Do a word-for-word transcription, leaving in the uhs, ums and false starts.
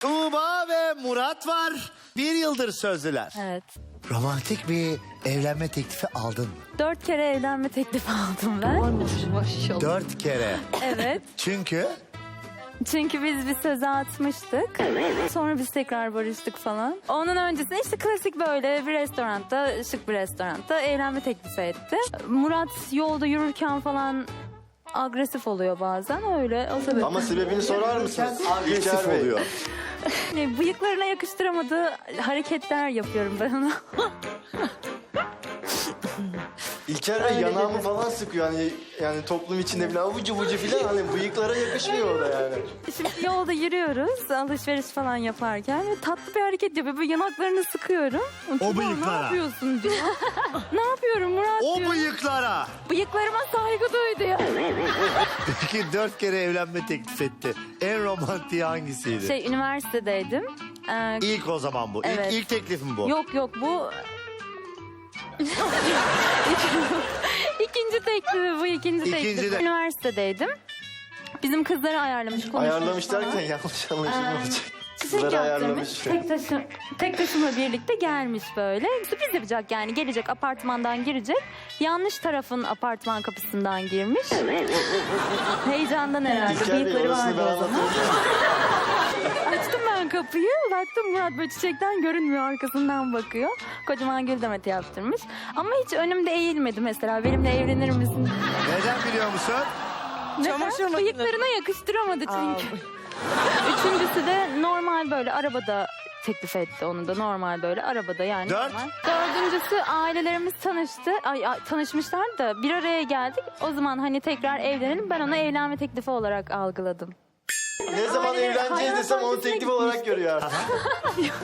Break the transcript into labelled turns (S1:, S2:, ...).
S1: Tuğba ve Murat var. Bir yıldır sözlüler.
S2: Evet.
S1: Romantik bir evlenme teklifi aldın mı?
S2: Dört kere evlenme teklifi aldım ben.
S1: Dört kere.
S2: Evet.
S1: Çünkü
S2: Çünkü biz bir söze atmıştık. Sonra biz tekrar barıştık falan. Onun öncesinde işte klasik böyle bir restoranda, şık bir restoranda evlenme teklifi etti. Murat yolda yürürken falan agresif oluyor bazen öyle. O sebeple.
S3: Ama sebebini sorar mısınız?
S1: agresif
S3: İlker Bey.
S1: oluyor.
S2: Yani bıyıklarına yakıştıramadığı hareketler yapıyorum ben ona.
S3: İlker Bey
S2: Öyle
S3: yanağımı
S2: dedi.
S3: falan sıkıyor hani yani toplum içinde bile avucu bucu falan hani bıyıklara yakışmıyor o da yani.
S2: Şimdi yolda yürüyoruz alışveriş falan yaparken ve tatlı bir hareket yapıyor. Böyle yanaklarını sıkıyorum. Tuğba,
S1: bıyıklara.
S2: Ne yapıyorsun diyor. Ne yapıyorum Murat
S1: O
S2: diyor.
S1: bıyıklara.
S2: Bıyıklarıma saygı duydu ya.
S1: Peki dört kere evlenme teklif etti. En romantiği hangisiydi?
S2: Şey üniversitedeydim. Ee,
S1: İlk o zaman bu.
S2: Evet.
S1: İlk, ilk teklifim bu.
S2: yok yok bu... İkinci teklifi bu ikinci
S1: İkinci
S2: teklifi.
S1: de-
S2: Üniversitedeydim. Bizim kızları ayarlamış. konuşmuş
S3: Ayarlamış
S2: falan.
S3: derken yanlış anlaşılma
S2: Ee,
S3: olacak.
S2: Çiçek
S3: Kızları
S2: yaptırmış.
S3: ayarlamış.
S2: Tek, taşı, tek taşımla birlikte gelmiş böyle. Sürpriz yapacak yani. Gelecek apartmandan girecek. Yanlış tarafın apartman kapısından girmiş. Heyecandan herhalde.
S3: İlker Bey
S2: Bıyıkları
S3: orasını ben
S2: vardı o zaman.
S3: anlatabilir miyim?
S2: Açtım ben kapıyı. Baktım Murat böyle çiçekten görünmüyor. Arkasından bakıyor. Kocaman gül demeti yaptırmış. Ama hiç önümde eğilmedi mesela. Benimle evlenir misin?
S1: Neden biliyor musun?
S2: Neden? Bıyıklarına yakıştıramadı çünkü. Üçüncüsü de normal böyle arabada teklif etti onu da normal böyle arabada yani.
S1: Dört.
S2: Normal. Dördüncüsü ailelerimiz tanıştı. Ay, ay, tanışmışlar da bir araya geldik. O zaman hani tekrar evlenelim ben ona evlenme teklifi olarak algıladım.
S3: Ne zaman
S2: Aileler-
S3: evleneceğiz
S2: hayvan
S3: desem onu
S2: bahçesine
S3: teklif olarak görüyor artık.